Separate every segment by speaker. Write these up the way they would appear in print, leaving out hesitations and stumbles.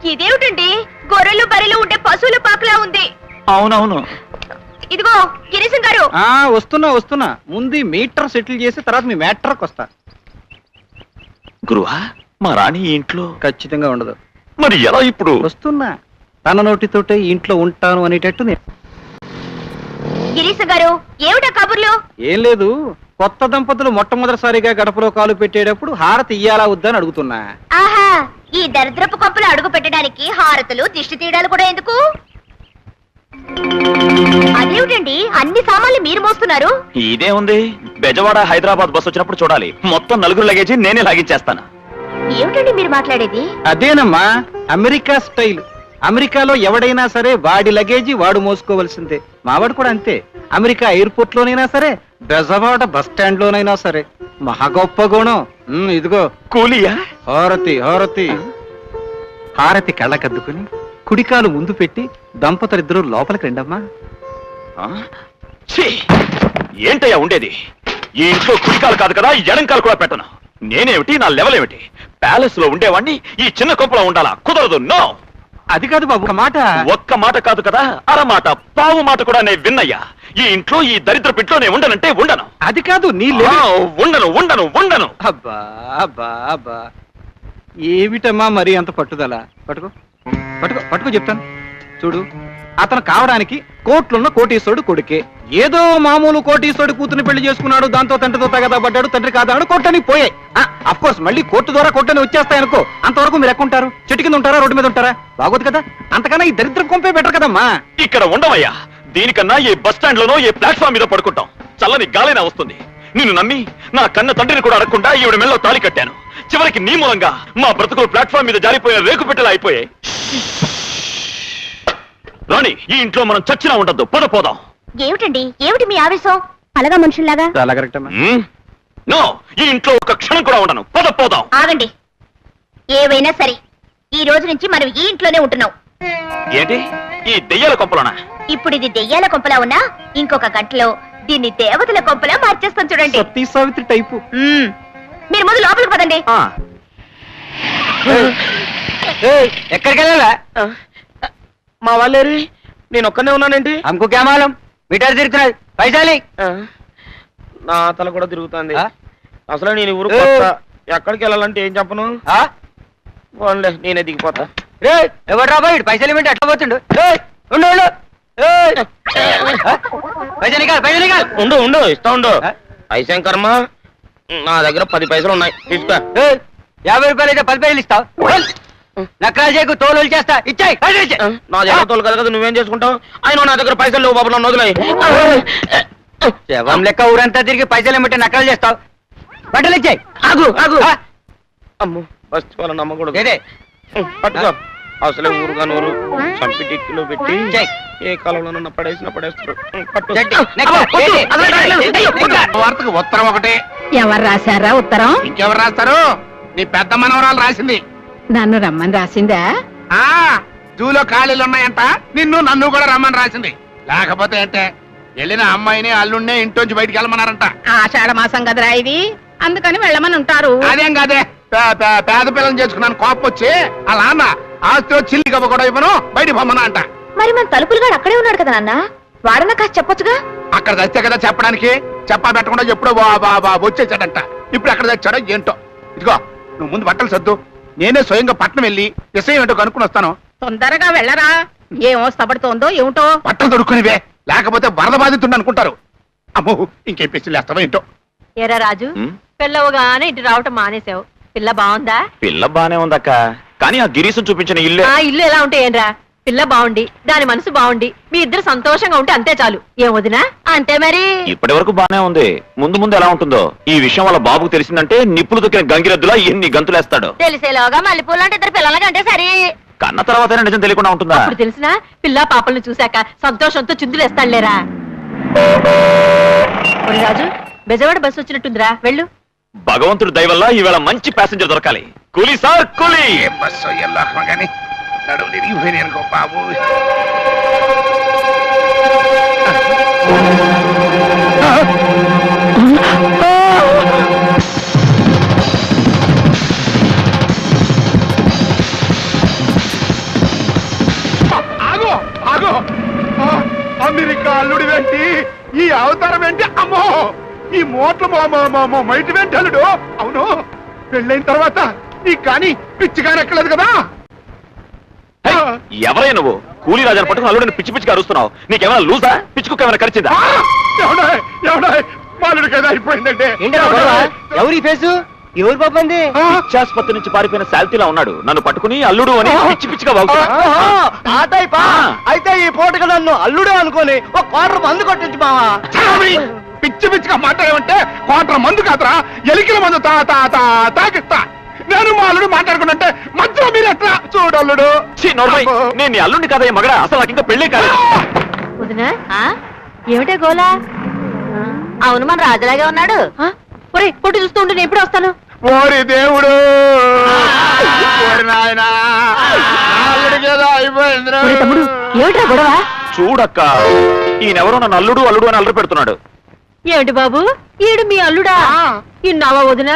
Speaker 1: ఇదేమిటండి గొర్రెలు బర్రెలు ఉండే పశువుల పాకలా ఉంది.
Speaker 2: అవునవును.
Speaker 1: ఇదిగో గిరీశం గారు.
Speaker 3: వస్తున్నా ముందు మీటర్ సెటిల్ చేసి తర్వాత మీ మ్యాటర్కి వస్తా.
Speaker 2: గురువా, మా రాణి ఇంట్లో
Speaker 3: ఖచ్చితంగా ఉండదు.
Speaker 2: మరి ఎలా ఇప్పుడు?
Speaker 3: వస్తున్నా, తన నోటితోటే ఇంట్లో ఉంటాను అనేటట్టు.
Speaker 1: గిరీశం గారు ఏమిటా కబుర్లు?
Speaker 3: ఏం లేదు, కొత్త దంపతులు మొట్టమొదటిసారిగా గడపలో కాలు పెట్టేటప్పుడు హారతి ఇయ్యాలా వద్దని అడుగుతున్నా.
Speaker 1: ఆహా, ఈ దరిద్రపు కప్పులు అడుగు పెట్టడానికి హారతులు దిష్టి తీయడాలు కూడా ఎందుకు? అదేమిటండి అన్ని సామాన్లు మీరు మోస్తున్నారు?
Speaker 2: ఇదే ఉంది, బెజవాడ హైదరాబాద్ బస్ వచ్చినప్పుడు చూడాలి. మొత్తం 4 లగేజీ నేనే లాగించేస్తాను.
Speaker 1: ఏమిటండి మీరు మాట్లాడేది?
Speaker 3: అదేనమ్మా అమెరికా స్టైల్. అమెరికాలో ఎవడైనా సరే వాడి లగేజీ వాడు మోసుకోవలసిందే. మావాడు కూడా అంతే. అమెరికా ఎయిర్పోర్ట్ లోనైనా సరే, బెజవాడ బస్ స్టాండ్ లోనైనా సరే. మహా గొప్ప గుణం. ఇదిగో
Speaker 2: కూలియా?
Speaker 3: హారతి హారతి హారతి కళ్ళకద్దుకుని కుడికాలు ముందు పెట్టి దంపతులిద్దరూ లోపలికి రండమ్మా.
Speaker 2: ఏంటయ్యా ఉండేది? ఈ ఇంట్లో కుడికాలు కాదు కదా, ఎడంకాలు కూడా పెట్టను. నేనేమిటి, నా లెవెల్ ఏమిటి? ప్యాలెస్ లో ఉండేవాణ్ణి ఈ చిన్న కొంపలో ఉండాలా? కుదరదు. నో.
Speaker 3: అది కాదు బాబు,
Speaker 2: ఒక్క మాట కాదు కదా, అరమాట పావు మాట కూడా నేను విన్నయ్యా. ఈ ఇంట్లో ఈ దరిద్ర పిట్లో నేను ఉండనంటే ఉండను.
Speaker 3: అది కాదు, నీ
Speaker 2: ఉండను ఉండను ఉండను.
Speaker 3: అబ్బా అబ్బా అబ్బా, ఏమిటమ్మా మరి అంత పట్టుదల? పట్టుకో పట్టుకో పట్టుకో చెప్తాను చూడు. అతను కావడానికి కోట్లున్న కోటీశ్వరుడు కొడుకే. ఏదో మామూలు కోటీశ్వరుడు కూతుర్ని పెళ్లి చేసుకున్నాడు, దాంతో తండ్రితో తగదా పడ్డాడు, తండ్రి కాదాడు, కోర్టుని పోయాయి. అఫ్ కోర్స్ మళ్ళీ కోర్టు ద్వారా కోర్టుని వచ్చేస్తాయనుకో. అంతవరకు మీరు ఎక్కుంటారు? చెట్టు కింద ఉంటారా, రోడ్డు మీద ఉంటారా? బాగోదు కదా. అంతకన్నా ఈ దరిద్రం కొంపే బెటర్ కదమ్మా.
Speaker 2: ఇక్కడ ఉండవయ్యా, దీనికన్నా ఏ బస్ స్టాండ్ లోనో ఏ ప్లాట్ఫామ్ మీద పడుకుంటాం. చల్లని గాలినా వస్తుంది. నిన్ను నమ్మి నా కన్న తండ్రిని కూడా అడగకుండా ఈవిడ మెళ్ళలో తాళి కట్టాను. చివరికి నీ మూలంగా మా బ్రతుకులు ప్లాట్ఫామ్ మీద జారిపోయిన రేకు పెట్టెలా అయిపోయాయి. రాణి, ఈ ఇంట్లో మనం చచ్చినా ఉండద్దు. పోదాం.
Speaker 1: ఏమిటండి, ఏమిటి మీ ఆవేశం? అలాగా మనుషుల్లాగా.
Speaker 3: చాలా కరెక్ట్ అమ్మా.
Speaker 2: నో, ఈ ఇంట్లో ఒక క్షణం కూడా ఉండను. పోదాం.
Speaker 1: ఆగండి. ఏవైనా సరే ఈ రోజు నుంచి మనం ఈ ఇంట్లోనే ఉంటున్నాం.
Speaker 2: ఏంటి, ఈ దెయ్యాల కొంపలోనా?
Speaker 1: ఇప్పుడు ఇది దెయ్యాల కొంపలా ఉన్నా ఇంకొక గంటలో దీన్ని దేవతల కొంపలా మార్చేస్తాం చూడండి.
Speaker 3: సతీ సావిత్రి టైపు.
Speaker 1: మీరు ముందు లోపలికి పదండి.
Speaker 3: ఎక్కడికి వెళ్ళాలా?
Speaker 4: మా వాళ్ళేరి, నేను ఒక్కనే ఉన్నానేంటి?
Speaker 3: అమ్కు క్యామాలం మీటర్ తిరుగుతున్నాయి. పైసాలి.
Speaker 4: నా తల కూడా తిరుగుతుంది. అసలు నేను ఊరు ఎక్కడికి వెళ్ళాలంటే ఏం చెప్పను. పోన్లే, నేనే దిగిపోతా.
Speaker 3: ఎవరు రా బాయ్, పైసలు ఇవ్వండి. ఎట్లా పోతుండు?
Speaker 4: ఉండు ఇస్తా ఉండు. పైసా కర్మ, నా దగ్గర 10 పైసలు ఉన్నాయి, తీసుకో.
Speaker 3: 50 రూపాయలు అయితే 10 పైసలు ఇస్తావు. నకరాలు చేయకు, తోలు చేస్తా. ఇచ్చాయి.
Speaker 4: నా దగ్గర తోలు కదా, నువ్వేం చేసుకుంటావు? అయినా నా దగ్గర పైసలు లేవు బాబు, నన్ను వదిలేయ్.
Speaker 3: శవం లెక్క ఊరంతా తిరిగి పైసలు ఏమిటి నకరాలు చేస్తావు? బట్టలు ఇచ్చాయి.
Speaker 4: ఆగు. అమ్మో, బస్ వాళ్ళ నమ్మకూడదు. పట్టుకో. అసలే ఊరుగా నూరు చంపి టిక్కిలో పెట్టి ఏ కాలంలో పడేస్తారు.
Speaker 5: వార్తకు ఉత్తరం ఒకటి.
Speaker 6: ఎవరు రాశారా ఉత్తరం?
Speaker 5: ఇంకెవరు రాస్తారు? నీ పెద్ద మనవరాలు రాసింది.
Speaker 6: నన్ను రమ్మని రాసిందా?
Speaker 5: జూలో ఖాళీలు ఉన్నాయంట, నన్ను కూడా రమ్మని రాసింది. లేకపోతే అంటే వెళ్ళిన అమ్మాయిని అల్లుడినే ఇంట్లోంచి బయటికి వెళ్ళమన్నారంట.
Speaker 6: ఆషాఢ మాసం కదరా ఇది, అందుకని వెళ్ళమని ఉంటారు.
Speaker 5: అదేం కాదే, పేద పిల్లలు చేసుకున్నాను కోపం వచ్చి అలా అన్న ఆస్తిలో చిల్లి కవ్వ కూడా ఇవ్వను, బయటికి పొమ్మనా అంట.
Speaker 1: మరి మన తలుపులుగాడు అక్కడే ఉన్నాడు కదా నాన్న, వాడన్నా కాస్త చెప్పొచ్చుగా.
Speaker 5: అక్కడ తెచ్చే కదా చెప్పడానికి, చెప్పా పెట్టకుండా ఎప్పుడో వచ్చేసాడంట. ఇప్పుడు ఎక్కడ తెచ్చాడో ఏంటో. ఇదిగో నువ్వు ముందు బట్టలు సర్దు, నేనే స్వయంగా పట్నం వెళ్ళి విషయం ఏంటో కనుక్కుని వస్తాను.
Speaker 6: తొందరగా వెళ్ళరా, ఏం వస్తపడుతోందో ఏమిటో.
Speaker 5: బట్టలు దొరుకునివే, లేకపోతే వరద బాధితుండ అనుకుంటారు. అమ్మో, ఇంకేం పిచ్చిలు వేస్తావో ఏంటో.
Speaker 7: ఏరా రాజు, పిల్లవుగానే ఇటు రావటం మానేసావు. పిల్ల బాగుందా?
Speaker 2: పిల్ల బానే ఉందక్క, కానీ ఆ గిరీశం చూపించిన ఇల్లు
Speaker 7: ఎలా ఉంటే ఏంరా? పిల్ల బాగుండి దాని మనసు బాగుండి మీ ఇద్దరు సంతోషంగా ఉంటే అంతే చాలు. ఏం వదినా? అంతే మరి.
Speaker 2: ఇప్పటి వరకు బానే ఉంది, ముందు ఎలా ఉంటుందో. ఈ విషయం వాళ్ళ బాబుకు తెలిసిందంటే నిప్పులు దొక్కిన గంగిరెద్దులా ఎన్ని గంతులేస్తాడు.
Speaker 7: తెలిసేలోగా మల్లెపూలు అంటే ఇద్దరు పిల్లలకంటే సరే.
Speaker 2: కన్న తర్వాత నిజం తెలియకుండా ఉంటుందా?
Speaker 7: ఇప్పుడు తెలిసినా పిల్ల పాపలను చూశాక సంతోషంతో చిందులేస్తాడులేరా. రాజు, బెజవాడ బస్సు వచ్చినట్టుందిరా, వెళ్ళు.
Speaker 2: భగవంతుడు దయ వల్ల ఈవేళ మంచి ప్యాసింజర్ దొరకాలి. కూలీ సార్, కూలీ.
Speaker 5: బస్సు ఎల్లాకమా కానీ నడువు తిరిగిపోయినాయి అనుకో బాబు. మైటి వెంటలుడు. అవును, పెళ్ళైన తర్వాత నీకు కానీ పిచ్చి కానీ ఎక్కలేదు కదా.
Speaker 2: ఎవరై నువ్వు? కూలీ రాజాను పట్టుకుని అల్లుడిని పిచ్చి పిచ్చిగా అరుస్తున్నావు. నీకేమైనా లూజా? పిచ్చుకు ఏమైనా కరిచిందా?
Speaker 5: మాలుడు కదా అయిపోయిందంటే.
Speaker 3: ఎవరి ఫేసు? ఎవరు పాపంది?
Speaker 2: పిచ్చాసుపత్రి నుంచి పారిపోయిన శాల్తీలా ఉన్నాడు. నన్ను పట్టుకుని అల్లుడు అని పిచ్చి పిచ్చిగా
Speaker 3: అయితే ఈ పూటగా నన్ను అల్లుడు అనుకోని ఒక క్వార్టర్ మందు కొట్టించు మావా.
Speaker 5: పిచ్చి పిచ్చిగా మాట్లాడేమంటే క్వార్టర్ మందు కాదురా, ఎలికల మందు తాకిస్తా. నేను మా అల్లుడు మాట్లాడుకున్నట్టే మధ్యలో మీరు ఎట్లా చూడల్లుడు.
Speaker 2: నేను నీ అల్లుడిని కాదయ్య మగడా. అసలు నాకు ఇంకా పెళ్లి కాదు.
Speaker 7: వదినా ఏమిటే గోలా? అవును, మన రాజులాగే ఉన్నాడు. ఒరే పొట్టు చూస్తూ ఉంటే నేను ఎప్పుడు వస్తాను?
Speaker 5: ఓరి దేవుడు, నాయనా
Speaker 7: తమ్ముడు ఏమిటా గొడవ?
Speaker 2: చూడక్క, ఈయనెవరో నన్ను అల్లుడు అల్లుడు అని అల్లరి పెడుతున్నాడు.
Speaker 7: ఏమిటి బాబు, ఈడు మీ అల్లుడా? ఇన్నావా వదినా?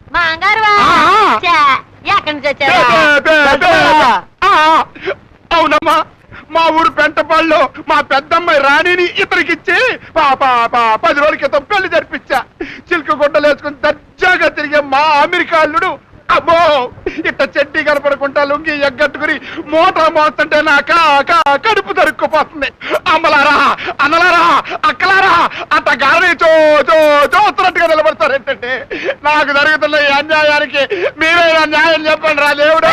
Speaker 7: ఎక్కడి నుంచి వచ్చావా?
Speaker 5: అవునమ్మా, మా ఊరు పెంటపాళ్ళు మా పెద్దమ్మాయి రాణిని ఇతనికిచ్చి 10 రోజుల క్రితం పెళ్లి జరిపించా. చిలుక గుడ్డలు వేసుకుని దర్జాగా తిరిగే మా అమెరికా అల్లుడు అమ్మో ఇట్ట చెడ్డీ కనపడకుండా లుంగి ఎగ్గట్టుకుని మోటార్ మోస్తుంటే నా కడుపు తరుక్కుపోతుంది. అమ్మలారా, అన్నలారా, అక్కలారా, అట్ట గారిని చూస్తున్నట్టుగా నిలబడతారేంటంటే నాకు జరుగుతున్న ఈ అన్యాయానికి మీరైనా న్యాయం చెప్పండి రా దేవుడు.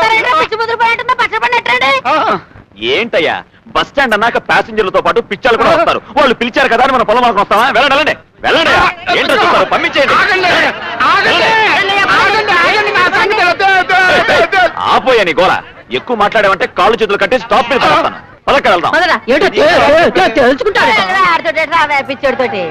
Speaker 2: ఏంటయ్యా, బస్ స్టాండ్ అన్నాక ప్యాసింజర్లతో పాటు పిచ్చాలు కూడా వస్తారు. వాళ్ళు పిలిచారు కదా అని మన పొలం మనకు వస్తావా? వెళ్ళండి వెళ్ళండి. ఏంటో చూస్తారు, పంపించేయండి. ఆపోయా నీ గోళ. ఎక్కువ మాట్లాడావంటే కాళ్ళు చేతులు కట్టి స్టాప్ మీద పడతాను. పదక్క వెళ్దాం.
Speaker 7: పిచ్చోడితోటి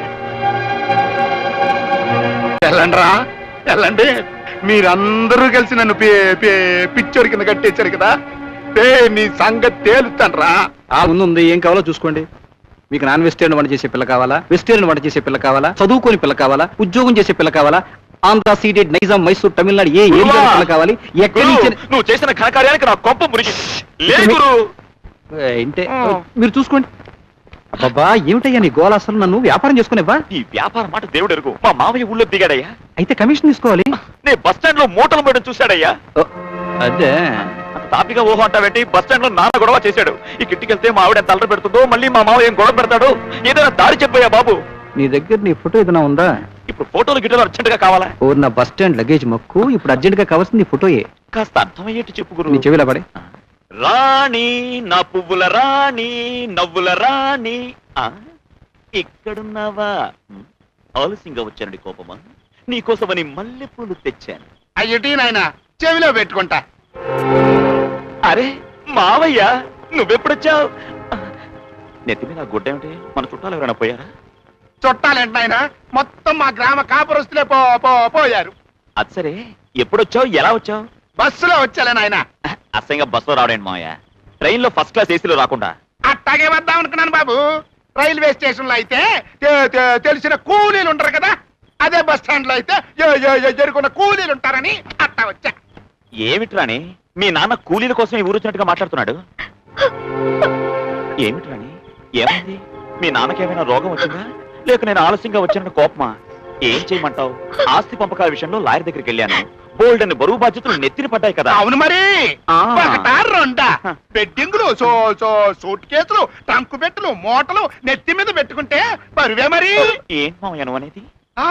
Speaker 5: వెళ్ళండి రా, వెళ్ళండి. మీరందరూ కలిసి నన్ను పిచ్చోడి కింద కట్టేశారు కదా. నీ సంగతి తేలుతాను రా.
Speaker 3: ముందుంది, ఏం కావాలో చూసుకోండి. మీకు నాన్ వెజిటేరియన్ వంట చేసే పిల్ల కావాలా, వెజిటేరియన్ వంట చేసే పిల్ల కావాలా, చదువుకోని పిల్ల కావాలా, ఉద్యోగం చేసే పిల్ల కావాలా, ఆంధ్ర సీడెడ్, నైజాం, మైసూర్, తమిళనాడు ఏ ఏరియా పిల్ల కావాలి, ఎక్కడి నుంచి
Speaker 2: నువ్వు చేసిన ఘనకార్యానికి నా కొంప మురిగి
Speaker 3: ఏంటే మీరు చూసుకోండి. అబ్బా ఏమిటయ్యా నీ గోల? అసలు నన్ను వ్యాపారం చేసుకునేవా?
Speaker 2: ఈ వ్యాపారం మాట దేవుడు ఎరుగు. మా మామయ్య ఊళ్ళో దిగాడయ్యా.
Speaker 3: అయితే కమిషన్ తీసుకోవాలి.
Speaker 2: నే బస్ స్టాండ్ లో మూటలు మేడం చూశాడయ్యా.
Speaker 3: అదే
Speaker 2: తాపిగా ఊహ అంటావేంటి? బస్ స్టాండ్ లో నాన్న గొడవ చేశాడు. ఈ కిట్టికెళ్తే మా ఆవిడ ఎంత అల్లరి పెడుతుందో, మళ్ళీ మా మావ ఏం గొడవ పెడతాడు. ఏదైనా దారి చెప్పయ్యా బాబు.
Speaker 3: నీ దగ్గర నీ ఫోటో ఏదైనా ఉందా?
Speaker 2: ఇప్పుడు ఫోటోలు గిటోలు అర్జెంట్ గా కావాలా?
Speaker 3: ఓ నా బస్ స్టాండ్ లగేజ్ మొక్కు. ఇప్పుడు అర్జెంట్ గా కావాల్సింది నీ ఫోటోయే.
Speaker 2: కాస్త అర్థమయ్యేట్టు చెప్పు గురు.
Speaker 3: నీ చెవిలా పడే.
Speaker 2: రాణి నా పువ్వుల రాణి, నవ్వుల రాణి, ఇక్కడున్నావా? ఆలస్యంగా వచ్చానండి కోపమా? నీకోసమని మల్లెపూలు తెచ్చాను.
Speaker 5: అయ్యటి నాయన చెవిలో పెట్టుకుంటా.
Speaker 2: అరే మావయ్య, నువ్వెప్పుడొచ్చావు? నెత్తి మీద గుడ్డ ఏమిటి? మన చుట్టాలు ఎవరైనా పోయారా?
Speaker 5: చుట్టాలేంటి నాయన, మొత్తం మా గ్రామ కాపురస్తులే పోయారు.
Speaker 2: అది సరే, ఎప్పుడొచ్చావు, ఎలా వచ్చావు?
Speaker 5: బస్సులో వచ్చాలే నాయన.
Speaker 2: అసహ్యంగా బస్సులో రావడండి మావయ్య. ట్రైన్ లో ఫస్ట్ క్లాస్ ఏసీలో రాకుండా.
Speaker 5: అట్టాగే వద్దాం అనుకున్నాను బాబు. రైల్వే స్టేషన్ లో అయితే తెలిసిన కూలీలు ఉంటారు కదా, అదే బస్ స్టాండ్ లో అయితే ఎరుకున్న కూలీలు ఉంటారని అట్టా వచ్చా.
Speaker 2: ఏమిట్రాని, మీ నాన్న కూలీల కోసం ఈ ఊరొచ్చినట్టుగా మాట్లాడుతున్నాడు. ఏమిట్రాని, ఏమైంది? మీ నాన్నకేమైనా రోగం వచ్చిందా, లేక నేను ఆలస్యంగా వచ్చానని కోపమా? ఏం చేయమంటావు? ఆస్తి పంపకాల విషయంలో లాయర్ దగ్గరికి వెళ్ళాను. బోల్డ్ అని బరువు బాధ్యతలు నెత్తిన పడ్డాయి కదా.
Speaker 5: అవును మరి, రెండా బెడ్డింగులు, సూట్ కేసులు, ట్రంకు పెట్టెలు, మూటలు నెత్తి మీద పెట్టుకుంటే బరువే మరి.
Speaker 2: ఏం మావయ్యను అనేది?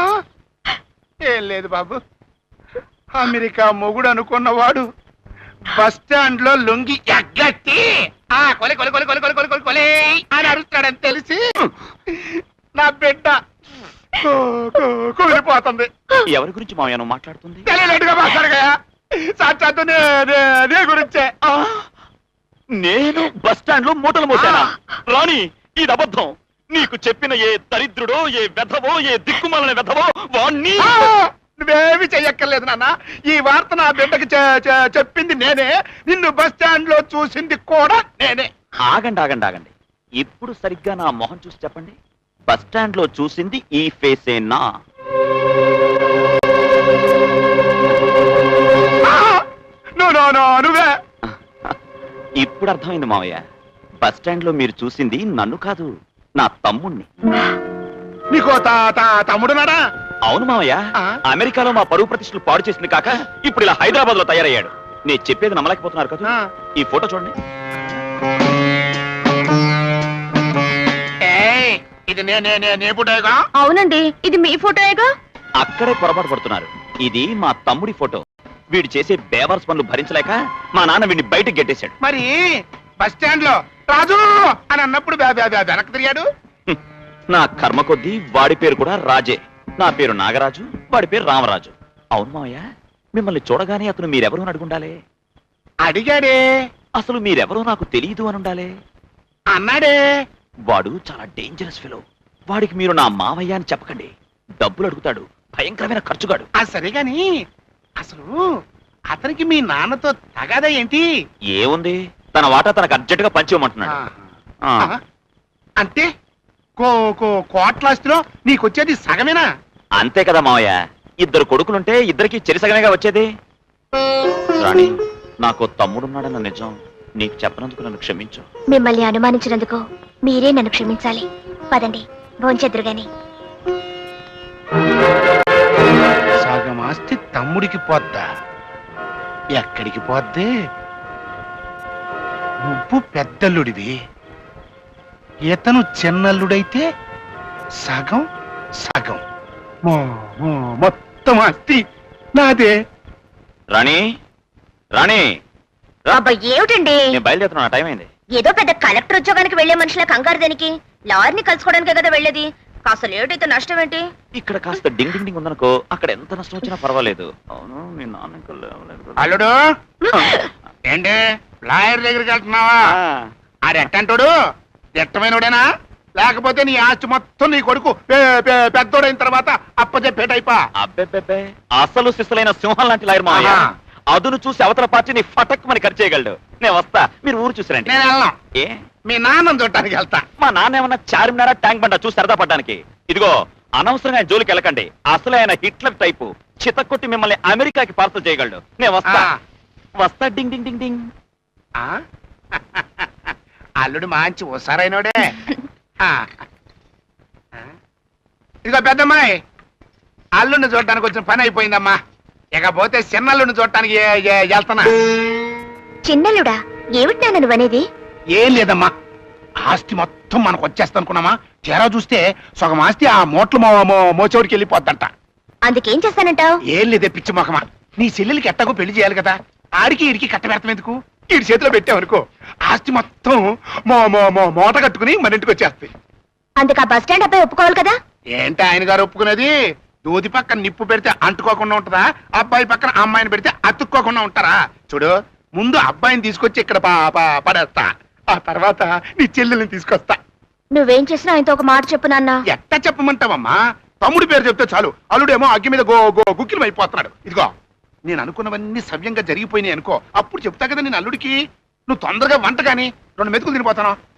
Speaker 5: ఏం లేదు బాబు, అమెరికా మొగుడు అనుకున్నవాడు బస్ స్టాండ్ లో లొంగి ఎగ్గట్టి కొలి కొలి కొలి కొలి కొలి కొలి కొలి కొలి అని అరుస్తాడని తెలిసి నా బిడ్డ కూలిపోతుంది.
Speaker 2: ఎవరి గురించి మావయ్యను మాట్లాడుతుంది?
Speaker 5: తెలియలేదుగా మాట్లాడగా, సాక్షాత్తు నీ గురించే.
Speaker 2: నేను బస్ స్టాండ్ లో మూటలు మోసానా? రాణి, ఇది అబద్ధం. నీకు చెప్పిన ఏ దరిద్రుడో, ఏ వెధవో, ఏ దిక్కుమాలిన వెధవో వాణ్ణి.
Speaker 5: నువ్వేమి చెయ్యక్కర్లేదు నాన్న. ఈ వార్త నా బిడ్డకి చెప్పింది నేనే, నిన్ను బస్ స్టాండ్ లో చూసింది కూడా నేనే.
Speaker 2: ఆగండి ఆగండి ఆగండి, ఇప్పుడు సరిగ్గా నా మొహం చూసి చెప్పండి. బస్ స్టాండ్ లో చూసింది ఈ ఫేసేనా?
Speaker 5: నువ్వే.
Speaker 2: ఇప్పుడు అర్థమైంది మావయ్య. బస్ స్టాండ్ లో మీరు చూసింది నన్ను కాదు, నా తమ్ముణ్ణి.
Speaker 5: నీకో తమ్ముడు నాడా?
Speaker 2: అవును మావయ్య,
Speaker 5: ఆ?
Speaker 2: అమెరికాలో మా పరువు ప్రతిష్టలు పాడు చేసింది కాక ఇప్పుడు ఇలా హైదరాబాద్ లో తయారయ్యాడు. నేను చెప్పేది నమ్మలేకపోతున్నారు కదా.
Speaker 5: ఆ.
Speaker 2: ఈ ఫోటో చూడండి.
Speaker 5: ఏయ్, ఇది నే పుట్టాగా.
Speaker 1: అవునండి, ఇది మీ ఫోటోయేగా.
Speaker 2: అక్కడే పొరపాటు పడుతున్నారు. ఇది మా తమ్ముడి ఫోటో. వీడు చేసే బేవర్స్ పనులు భరించలేక మా నాన్న వీడిని బయటకు గెట్టేశాడు.
Speaker 5: మరి బస్ స్టాండ్ లో రాజు అని అన్నప్పుడు వెనక్కి తిరిగాడు.
Speaker 2: హ్మ్. నా కర్మ కొద్దీ వాడి పేరు కూడా రాజే. నా పేరు నాగరాజు, వాడి పేరు రామరాజు. అవును మావయ్య, మిమ్మల్ని చూడగానే అతను మీరెవరు అని అడుగుండాలే.
Speaker 5: అడిగాడే,
Speaker 2: అసలు మీరెవరో నాకు తెలియదు అని ఉండాలే.
Speaker 5: అన్నాడే.
Speaker 2: వాడు చాలా డేంజరస్ ఫెలో. వాడికి మీరు నా మావయ్య అని చెప్పకండి. డబ్బులు అడుగుతాడు, భయంకరమైన ఖర్చుగాడు.
Speaker 5: అది సరే గాని అసలు అతనికి మీ నాన్నతో తగాదా ఏంటి?
Speaker 2: ఏముంది, తన వాటా తనకు అర్జెంట్ గా పంచివ్వమంటున్నాడు. ఆ.
Speaker 5: ఆ, అంటే కోట్లాస్తిలో నీకొచ్చేది సగమేనా?
Speaker 2: అంతే కదా మావయ్య, ఇద్దరు కొడుకులుంటే ఇద్దరికి చెరిసగమేగా వచ్చేది. రాణి, నాకు తమ్ముడున్నాడన్న నిజం నీకు చెప్పనందుకు నన్ను క్షమించు.
Speaker 1: మిమ్మల్ని అనుమానించినందుకు మీరే నన్ను క్షమించాలి. పదండి, భోంచెద్దురు గాని.
Speaker 5: సగం ఆస్తి తమ్ముడికి పోద్దా? ఎక్కడికి పోద్ది? నువ్వు పెద్దల్లుడివి, ఇతను చిన్నల్లుడైతే సగం సగం మొత్తం ఆస్తి నాదే.
Speaker 2: రాణి, రాణి, రా.
Speaker 1: అబ్బా ఏమిటండి,
Speaker 2: నేను బయలుదేరుతున్నా, టైం అయింది.
Speaker 1: ఏదో పెద్ద కలెక్టర్ ఉద్యోగానికి వెళ్లే మనుషుల కంగారు దేనికి? లారీని కలుసుకోవడానికే కదా వెళ్ళేది. కాస్త లేట్ అయితే నష్టం ఏంటి?
Speaker 2: ఇక్కడ కాస్త డింగ్ డింగ్ డింగ్ ఉందనుకో, అక్కడ ఎంత నష్టం వచ్చినా పర్వాలేదు. అవును, మీ నాన్న ఇంకా లేవలేదు.
Speaker 5: అల్లుడు ఏంటి లాయర్ దగ్గరికి వెళ్తున్నావా?
Speaker 2: ఆ.
Speaker 5: ఆడెట్టంటాడు, ఎట్టమైనోడేనా? లేకపోతే నీ ఆస్తి మొత్తం నీ కొడుకు పెద్దోడైన తర్వాత అప్పచెప్పేటైపా?
Speaker 2: అబ్బెబ్బెబ్బే, అసలు సిస్సులైన సింహం లాంటి లాయర్ మావయ్య.
Speaker 5: ఆహా.
Speaker 2: అదును చూసి అవతల పార్టీని ఫటక్ మని ఖర్చు చేయగలడు. నేను వస్తా, మీరు ఊరు చూసిరండి.
Speaker 5: నేను వెళ్ళను,
Speaker 2: ఏ,
Speaker 5: మీ నాన్న చూడటానికి వెళ్తా.
Speaker 2: మా నాన్న ఏమన్నా చార్మినారా ట్యాంక్ బండ చూసి సరదా పడ్డానికి? ఇదిగో, అనవసరంగా ఆయన జోలికి వెళ్ళకండి. అసలు ఆయన హిట్లర్ టైపు, చితక్కొట్టి మిమ్మల్ని అమెరికాకి పార్సల్ చేయగలడు. నేను వస్తా,
Speaker 5: ఆ.
Speaker 2: వస్తా. డింగ్ డింగ్ డింగ్ డింగ్.
Speaker 5: ఆ? అల్లుడు మంచి హుషారైనోడే. ఆ. ఇదిగో పెద్దమ్మాయి, అల్లుడిని చూడటానికి వచ్చిన పని అయిపోయిందమ్మా. ఇకపోతే చిన్నల్లుడిని చూడటానికి వెళ్తున్నా.
Speaker 1: చిన్నలుడా, ఏమిటి నాన్న నువ్వనేది?
Speaker 5: ఏం లేదమ్మా, ఆస్తి మొత్తం మనకు వచ్చేస్తా అనుకున్నామా, తీరా చూస్తే సగం ఆస్తి ఆ మోట్లు మోచోడికి వెళ్ళిపోద్దంట.
Speaker 1: అందుకేం చేస్తానంటావు?
Speaker 5: ఏం లేదే పిచ్చి మొఖమా, నీ చెల్లెలకి ఎట్టాగో పెళ్లి చేయాలి కదా, ఆడికి ఈడికి కట్టబెడతాం ఎందుకు? ఈడి చేతిలో పెట్టామనుకో, ఆస్తి మొత్తం మూట కట్టుకుని మన ఇంటికి వచ్చేస్తాయి.
Speaker 1: అందుకు ఆ బస్ స్టాండ్ అబ్బాయి ఒప్పుకోవాలి కదా.
Speaker 5: ఏంటి ఆయన గారు ఒప్పుకునేది? దూది పక్కన నిప్పు పెడితే అంటుకోకుండా ఉంటదా? అబ్బాయి పక్కన అమ్మాయిని పెడితే అతుక్కోకుండా ఉంటారా? చూడు, ముందు అబ్బాయిని తీసుకొచ్చి ఇక్కడ పడేస్తా, ఆ తర్వాత నీ చెల్లెల్ని తీసుకొస్తా.
Speaker 1: నువ్వేం చేసినా ఆయనతో ఒక మాట చెప్పు నాన్న.
Speaker 5: ఎట్టా చెప్పమంటావమ్మా? తమ్ముడి పేరు చెప్తే చాలు, అల్లుడేమో అగ్గి మీద గుక్కిలం అయిపోతున్నాడు. ఇదిగో, నేను అనుకున్నవన్నీ సవ్యంగా జరిగిపోయినాయి అనుకో, అప్పుడు చెప్తా కదా నేను అల్లుడికి. నువ్వు తొందరగా వంట గాని 2 మెతుకులు తినిపోతాను.